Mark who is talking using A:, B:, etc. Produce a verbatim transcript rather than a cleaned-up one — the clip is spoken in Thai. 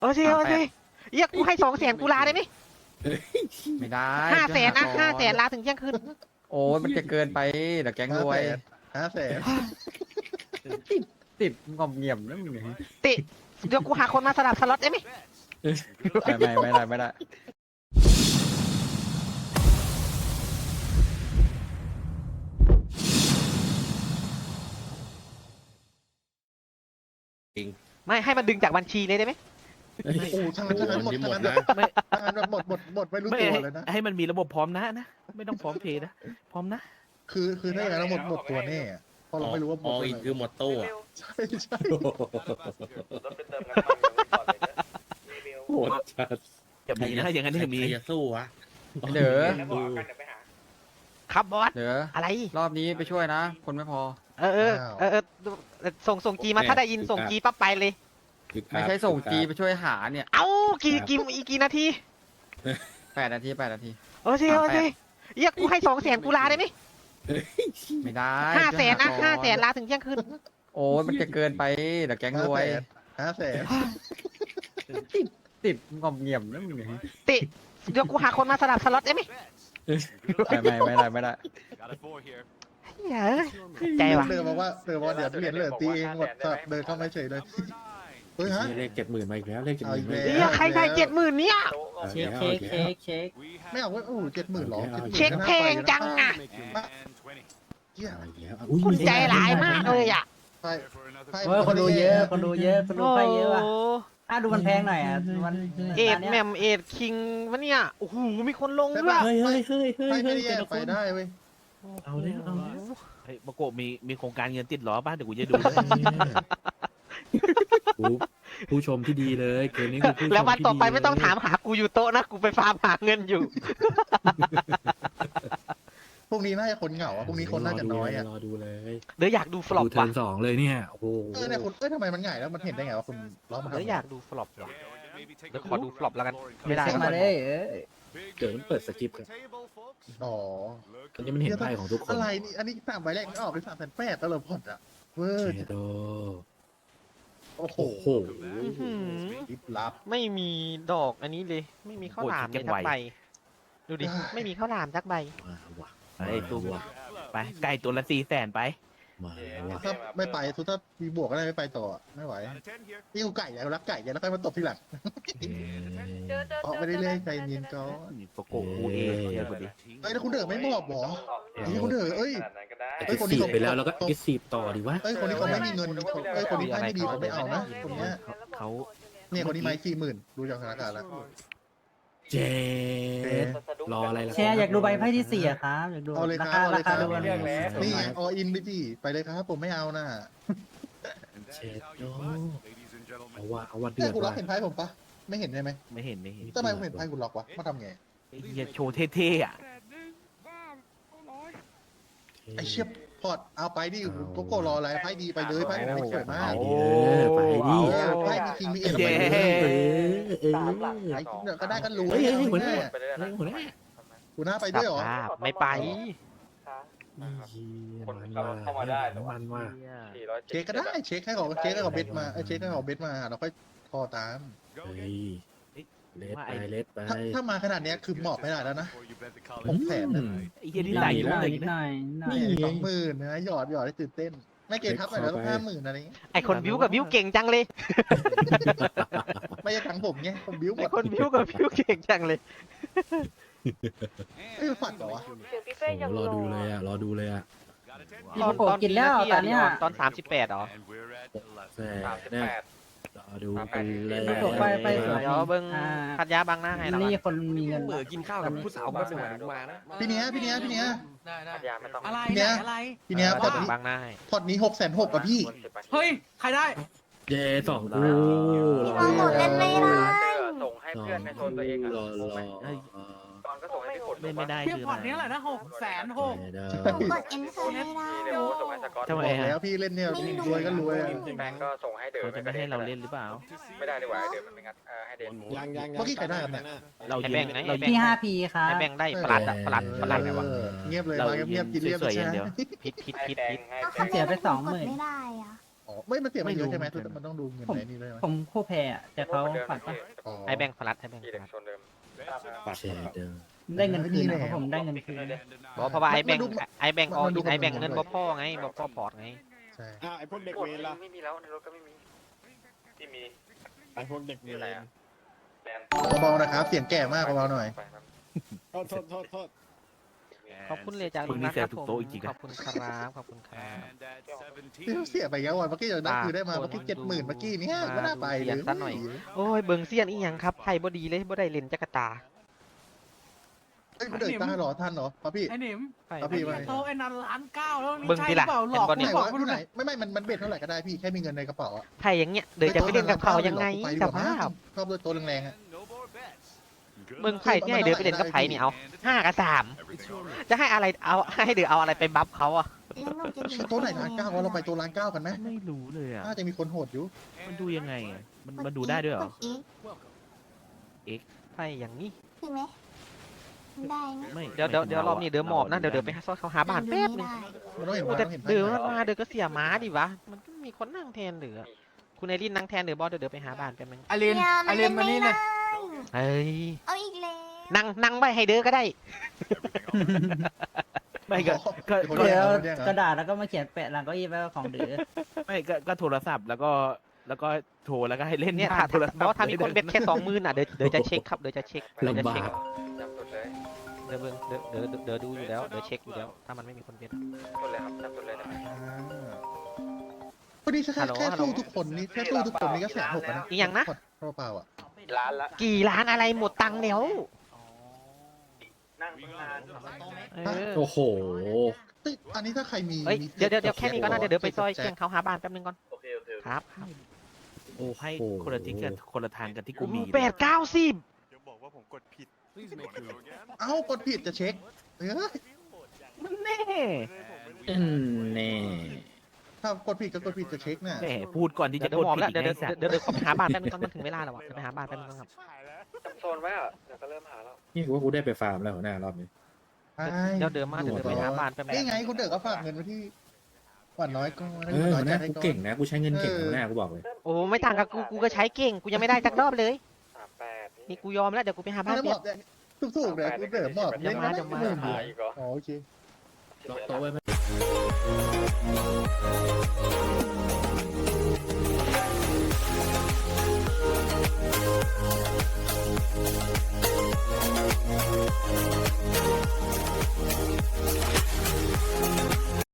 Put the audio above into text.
A: โอเคโอเคเรียกกูให้สองแสนกูลาได้ไหม
B: ไม่ได้
A: ห้าแสนนะ
B: ช่วย
A: ห้า
B: ก่อ
A: แสนลาถึงเที่ยงคืน
B: โอ้ยมันจะเกินไปเดี๋ยวแก๊งรวย
C: ห้าแสน
B: ติดงอมเงียบนะมึงเนี่ย
A: ติเดี๋ยวกูหาคนมาสลับสล็อตได้ไหม
B: ไม่ไม่ไม่ได้ไม่ได้
A: ไม่ให้มันดึงจากบัญชีเลยได้ไหม
C: โอ้โหทั้งนั้นทั้งนั้นหมดทั้งนั้น
D: นะ
C: ไม่ทั้งนั้นหมดหมดหมดไม่รู้
E: ไม่
C: ตัวเลยนะ
E: ให้มันมีระบบพร้อมนะนะ ไม่ต้องพร้อมเพย์นะ พร้อมนะ
C: คือคือถ้าอย่างนั้นเราหมดหมดตัวแน่อะเพราะเราไม่รู้ว่าหม
D: อ
C: ด
D: อ
C: ตัว
D: อีก
C: ไหน
D: คือหมดตู้อะ
C: ใช่ใช่
D: โหดจัด
E: จะมีนะอย่างนั้นจะมี
D: ใครจะสู้วะ
B: เดี๋ยว
A: ครับบอส
B: เดี๋ยว
A: อะไร
B: รอบนี้ไปช่วยนะ คนไม่พอ
A: เออเออเออเออเออส่งส่งจีมาถ้าได้ยินส่งจีปั๊บไปเลย
B: ไม่ใช่ส่งจีไปช่วยหาเนี่ย
A: เอ้ากี่กี่อีกกี่นาที
B: แปดนาทีแปดนาที
A: โอเคโอเคเรียกกูให้สองแสนกูลาได้ไหม
B: ไม่ได้
A: ห้าแสนนะ
B: ช่วย
A: ห้า
B: ก่อ
A: แสนลาถึงเที่ยงคืน
B: โอ้ยมันจะเกินไปเดี๋ยวแก๊งรวย
C: ห้าแสน
B: ติดงอมเงียบนะมึงเนี่ย
A: ติเดี๋ยวกูหาคนมาสลับสล็อตได้ไหม
B: ไม่ไม่ไม่ได้ไม่ได้
A: เฮ้ยใจว่ะ
C: เดินมาว่าเดินมาว่าเดี๋ยวเหรียญเหลือตีเองหมดสัตว์เดินเข้ามาเฉยเลยเฮ้ยฮะ
D: เลขเจ็ดหมื่นมาอีกแล้วเลขเจ็ดห
C: เอา
D: มื่
C: อี
D: น
C: กแล้ว
A: เฮียใครได้เจ็ดหมื่นเนี่ย
D: เช็คเช็คเช็คเช็ค
C: ไม่เอาเว้ยโอ้โหเจ็ดหมื่นหรอ
A: เช็คเพลงจังอ่ะ
C: เหี้ย
A: คุณใจร้ายมากเลยอ่ะ
C: ไพ่ไพ่
F: เฮ้ยคนดูเยอะ คนดูเยอะ คนดู
A: โอ้
F: ไปเยอะว่ะ
A: โห
F: ถ้าดูมันแพงหน่อยอ่ะมัน
A: เอ็ด
F: ร้าน
A: แห
F: นี้
A: ม
F: ย
A: มเอ็ดคิงวะเนี่ยโอ้โหมีคนลงด้วย
D: เฮ้ยเฮ้ยเฮ้ยเฮ้ย
C: ไพ่ไม่
D: เฮ้ย
C: ได้แย
D: แต่
C: ก
D: ละค
C: ไป
D: น
C: ได้เว้ย
D: เอาเลยเอาเลย
E: เฮ้ยมาโกะมีมีโครงการเงินติดล้อบ้านเดี๋ยวกูจะดู
D: ผู้ผู้ชมที่ดีเลยเกมนี้คือผู้ชม
A: แล้ววันต่อไป
D: ที่ดี
A: ไม่ต้องถามหากูอยู่โต๊ะนะกูไปฟาร์มหาเงินอยู่
C: พวกนี้น่าจะคนเหงาอ่ะพวกนี้คนน่าจะน้อยอ่ะ
D: รอดูเลย
A: เดี๋ยวอยากดูฟลอป
D: ดูเทิ
A: ว่ะ
D: ร์นสองเลยเนี่ยโอ้โห
C: เออเนี่ยคุณเอ้ยทำไมมันง่ายแล้วมันเห็นได้ไงว่าคุณล้อมัน
A: เดี๋ยว
C: ทำ
A: อยากดูฟลอปว่ะเดี๋ยวขอดูฟลอปแล้วกันไม่ได้
F: เช็ค
A: แล้ว
F: มาเลยเออ
D: เดี๋ยวมันเปิดสคริปต์ครับ
C: อ๋อ
D: ตอนนี้มันเห็นไพ่ของทุกคน
C: อะไรนี่อันนี้สามใบแรกมันออกเป็นสามแสนแปดตลอดพอดอ่ะเวอร์
D: เชโด
C: โอ้โห
D: โอ้โห
A: อื้อหือ
C: ลิบลับ
A: ไม่มีดอกอันนี้เลย ไม่มีข้าวหลามเลยสักใบดูดิไม่มีข้าวหลามสักใบ
D: มาว่ะ
E: ไอ้ตู้
D: ว่ะ
E: ไปไก่ตัวละสี่แสนไป
D: มาว่ะ
C: ถ้าไม่ไปทุกถ้ามีบวกก็ได้ไม่ไปต่อไม่ไหวนี่กูไก่แล้วรักไก่แล้วค่อยมาตบทีหลัง
D: เอ้ย
C: เพราะไม่ได้เล่นใจเย็นก่อน
E: โปโกะกูเองเชื่อกูดิ
C: เอ้ยแล้วคุณเด๋อไม่มอบหรอนี่คุณเด๋อเอ้ย
D: เอ็กซ์ซีฟไปแล้วแล้วก็เอ็กซ์ซีฟต่อดีวะ
C: เอ้ยคนนี้เขาไม่มีเงินเอ้ยคนนี้ไม่ดีเขาไม่เอานะคนเนี้ย
E: เขา
C: เนี่ยคนนี้ไม่สี่หมื่นดูจากสถานการณ์แล้ว
D: เจดรออะไรล่ะ
F: แชร์อยากดูใบไพ่ที่สี่อะครับอยากดู
C: เอาเลยค
F: รา
C: รับ
F: คา
C: เอาเล
F: ราย
C: ค
F: คา
C: รับ
F: ดูกัน
C: นี่ไงออินไปดิไปเลยครับผมไม่เอานะ
D: เชดโดเอาว่าเอาว่าเดื
C: แต่
D: อด
C: คุณล็อก
D: ว่ะ
C: เห็นไพ่ผมปะไม่เห็นใช่ไหม
E: ไม่เห็นไม่เห็น
C: ทำไมผมเห็นไพ่คุณล็อกวะมาทำไง
E: ไอ้เหี้ยโชว์เท่ๆอ่ะ
C: ไอเชี่ยพอดเอาไปดิโกโก้รออะไรไพ่ดีไปเลยไพ่ผมสวยมาก
D: ไปดิเออไปดิ
C: เออไพ่มีคิงมีเอ็น
E: เย้
D: เออเออ
C: ไอ้เดี๋ยวก็ได้กันรู้
D: เฮ้ยเฮ้ยเฮ้ยหัวห
C: แน่
D: น้าเฮ้ยหัวหน้า
C: คุณหน้าไป
A: สั
C: ด้วยเหรอ
A: ภาพไม่ไป
D: มันว่ามันว่า
C: เช็คก็ได้เช็คให้เขาเช็คให้เขาเบสมาเอ้ยเช็คให้เขาเบสมาเราค่อยคอตาม
D: เฮ้ยเลสไปเลสไป
C: ถ้าถ้ามาขนาดเนี้ยคือหมอบไม่ได้แล้วนะหกแสนนะ
E: ไอ้เหี้ยที่
F: ห
E: ไห
F: น่
E: น
F: อย
E: อยู่
F: หน่อย
E: เลย
F: หน่อยหน่อย
C: นี่สองหมื่นนะหยอดหยอดให้ตื่นเต้น ไม่เกินทับหน่อยแล้วต้องห้าหมื่นอะไรอย่างงี้
A: ไอคนบิวกับบิวเก่งจังเลย
C: ไม่ใช่ทั้งผมไงผมบิ้วหม
A: ไอ
C: ด
A: คนบิวกับบิวเก่งจังเลย
C: เอ้ยฝันเหรอวะ
D: โอ้รอดูเลยอ่ะรอดูเลยอ่ะ
F: พี่โกกินแล้วตอนเนี้ย
A: ตอนสามสิบแปดหรอ
D: แซ่เนี่ยรอดูกันเลย
F: ไปไปสวย
A: เดี๋ยวเบิ้ง
F: อ่า
A: พัดยาบางหน้าให้เรา
F: นี่คนมีเงิน
B: เหมือกินข้าวกับผู้สาวมาสวยมานะ
C: พี่เนี้ยพี่เนี้ยพี่เนี้ย
A: พัดยาไม่ต้อง
G: อะไร
C: พี่เนี้ย
G: อะไร
C: พี่เนี้ยพอดนี้
A: บางหน้าให้
C: พอดนี้หกแสนหกอะพี่
G: เฮ้ย ใครได้
D: เจสองกู
H: เราหมดเล่นไม่ได้
A: ส่งให้เพื่อนในโซนตัวเองอ่ะ
D: รอรอ
A: ตอนก็ส่งให้พี่ฝน
E: เล่นไม่ได้
G: เพียง
E: คือ
G: พอร์ตนี้แหละนะหกแสนหก
H: ผมกดเอ็นเตอร์ไม่ได้
A: เดี๋ยวส่งให้สกอต
E: ทำไม
C: บอก
E: อ่ะ
C: แล้วพี่เล่นเนี่ยรวยก็รวยอะ
A: แบงก์ก็ส่งให้เดิ
E: เขา
A: น
E: จะไม่ให้เราเล่นหรือเปล่า
A: ไม่ได้ดีกว่าเดินมันไม่งัดให้เดิน
D: ยังยัง
C: เมื่อกี้ใครได้กันเนี่ย
E: เรา
A: ให้
E: ยื
A: แบ่
E: น
A: งไง
E: เรา
A: ให้
E: ยื
F: พี่
E: น
F: ห้าพีครับ
A: ให้แบ่งได้ปลัดอะปลัดปลัดไงวะ
C: เออเงียบเลย
E: เรา
C: มาเงียบๆกินเรียบ
E: สวยๆอย่างเดียว
A: พิษพิษพิษพิษ
H: เอา
F: เสียไปสองหมื่น
H: ไม่ได้อะ
C: ออ๋อไม่มันเสียไปเยอะใช่ไหม
E: ไม่รู้
C: มันต้องดูเงิน
F: ผม
C: ในนี่ด้วยไหม
F: ผมคู่แพ้อะแต่เขาฝันปะ
C: อ๋อ
A: ไอแบงค์ฟลัดไอแบงค์ฟลัด
D: เชดเดอร์
F: ได้เงินคืนนะเพราะผมได้เงินคืน
A: บอกเพราะว่าไอแบงค์ไอแบงค์ออกินไอแบงค์เงินบ่พ่อไงบ่พ่อพอร์ตไง
C: ใช่
D: อ่าไอพวกเด็กเวรล่ะ
I: ไม่มีแล้วในรถก็ไม่มีที่มี
D: ไอพวกเด็กเวร
C: เบาๆนะครับเสียงแก่มากเบาๆหน่อย
D: โทษโทษโทษโทษ
A: ขอบคุณเลยจาก
E: พวกนี้
A: นะ
E: แซ
A: คว รับ
E: ถู
A: ผ
E: ก
A: ม
E: โต๊ะอีกทีนะ
A: ขอบคุณครับขอบคุณครับ
C: เสียไปเยอะวันเมื่อกี้ยังได้คือได้มาเมื่อกี้เจ็ดหมื่นเมื่อกี้เนี่ยก็น่าไปเลย
A: ซะหน่อย โอ้ยเบิ่งเสี้ยนอีหยังครับไพ่บ่ดีเลยบ่ได้เล่นจักรตา
C: เฮ้ยมันเดินตาหรอทันเหรอป้าพี่
G: ไอ้หนิม
A: ไพ่
C: ครับ
A: บ่
C: พี่
A: ดี
C: ว่า
G: โตไอ้นันล้านเก้าแล้วนี่
A: เบิ่ง
G: ใช่
A: ที
G: หรื
A: ละ
G: อเปล่าหลอก
A: เห็นบ่เนี่ย
G: หลอก
C: ไหน
G: กู
C: วะ
G: ดู
C: ไหน
G: หน่อย
C: ไม่ไม่มันมันเบ็ดเท่าไหร่ก็ได้พี่แค่มีเงินในกระเป๋าอะ
A: ไพ่อย่างเงี้ยเดี๋ยวจะไปเล่นกับเขายังไงสภาพ
C: ชอบด้วยตัวแรงๆอะ
A: เบิ่งไพ่ที่ให้เดินไปเล่นกับไพ่นี่เอาห้ากับสามจะให้อะไรเอาให้เดือเอาอะไรไปบัฟเขาอ่ะ
H: แล้วหนูจะอยู่
C: ตัวไหนร้านเก้าวะเราไปตัวร้านเก้ากันไหม
E: ไม่รู้เลยอ่ะ
C: น่าจะมีคนโหดอยู่
E: มันดูยังไงอ่ะมันมันดูได้ด้วยเหรอ
H: กอีก
A: ไพ่อย่างนี้
H: ใช่ไหมได้ไหม
E: ไม่
A: เดี๋ยวเดี๋ยวเดี๋ยวรอบนี้เดี๋ยวหมอบนะเดี๋ยวเดี๋ยวไปซ่อนเขาหาบ้านแป๊บนึง
C: มันต้องเห็น
A: โอ้
C: ว่า
A: แต่
C: ต้องเห็น
A: เดือ
C: ไพ่
A: มาเดือก็เสียม้าดิวะมันก็มีคนนั่งแทนเดือคุณไอรินนั่งแทนเดือบอสเดี๋ยวเดี๋ยวไปหาบ้านแป๊บนึง
G: ไอริน
H: เนี่ย
G: ไอ
H: มัน
G: ริ
H: เล่
G: น
H: น
G: มา
H: ไม่
G: นี่เล
H: ได้
G: ย
A: เอ้ย
H: เอาอีกแล้ว
A: นั่งนั่งไว้ให้เดือก็ได้
E: ไม่ก็ก็
C: คน
E: ก็
C: แย่ง
F: เดี๋ยว
C: คนแย่งเหร
F: ก
C: อ
F: ระดาษแล้วก็มาเขียนแปะหลังเก้าอี้ไว้ว่าของเดือ
E: ไม่ก็ก็โทรศัพท์แล้วก็แล้วก็โทรแล้วก็ให้เล่น
A: เนี่ย
E: ผ่
A: ถ้า
E: โทรศัพท์
A: เพราะว่าถ้ามีคนเบ็ดแค่สองหมื่นอ่ะเดี๋ยวเดี๋ยวจะเช็คครับเดี๋ยวจะเช็คเดี๋ยวจะเช็ค
I: จำสุดเลย
A: เดี๋ยวเบิ่งเดี๋ยวเดี๋ยวเดี๋ยวดูอยู่แล้วเดี๋ยวเช็คอยู่แล้วถ้ามันไม่มีคนเบ็ด
I: สุดเลยครับจำสุดเลยได้ไหม
C: อ่าวันนี้แค่
A: ฮัลโหล
C: แค่
A: ฮัลโหล
C: สู้ทุกคนนี่แค่สู้ทุกคนนี่ก็แสนหกแล้วนะ
A: อีกอย่างนะ
C: เปล่าๆอ่ะ
I: ร้านละ
A: กี่ล้านอะไรหมดตังค์แล้ว
I: นั่งนาน
A: เออ
B: โอ้โห
C: เฮ้ยอันนี้ถ้าใครมี
A: เฮ้ย
C: มี
A: เดี๋ยวเดี๋ยวเดี๋ยวแค่นี้ก็น่าเดี๋ยวเดี๋ยวไปซอย
C: แจ็
A: เชียงเขาหาบ้านแป๊บนึงก่อน
I: โอเคโอเค
A: ครับครับ
E: โอ้ให้คนละทิศกันคนละทางกันที่กูมี
A: แปดเก้าสิบ
D: เดี๋ยวบอกว่าผมกดผิด
C: เอ้ากดผิดจะเช็คเอ้ย
E: แน่
B: อืมแน่
C: ถ้ากดผิดก็กดผิดจะเช็คน่ะ
E: แหมพูดก่อนที่
A: เดี๋ย
E: จะ
A: ว
E: ก
A: เดี๋ยวหมอบ
E: ดผิ
A: แล้ว
E: ด
A: เดี๋ยว
E: ไง
A: เดี๋ยว
E: สัตว์
A: เดี๋ยวเดี๋ยวขอไปหาบ้านแป๊บนึงก่อนมันถึงเวลาแล้วอะเดี๋ยวไปหาบ้านแป๊บนึงก่อนครับ
I: จำโซนไว้อ่ะเดี๋ยวก็เริ่มหาแล้ว
B: นี่กูว่ากูได้ไปฟาร์มแล้วหัวหน้ารอบนี้
A: เดี๋ยวเดินมาเดี๋ยวเดี๋ยวไปหาบ้านแป๊บนึง
C: นี่ไงคุณเด๋อก็ฝากเงินไว้ที่หวานน้อยก็
B: เออหัวหน้ากูเก่งนะกูใช้เงินเก่งหัวหน้ากูบอกเลย
A: โอ้ไม่ต่างกับกูกูก็ใช้เก่งกูยังไม่ได้สักรอบเลย
I: สามแปด
A: นี่กูยอมแล้วเดี๋ยวกูไปหาบ้าน
C: แล้วหม
A: เป๊
C: อบบ ถูกๆเลยคุณเด๋อหมอบ
A: เดี๋ยวมาเดี๋ยวมา
C: เล่น
I: หาอีกเหรอ
C: อ๋อโอเค
B: ล็อกโต๊ะไว้ไหม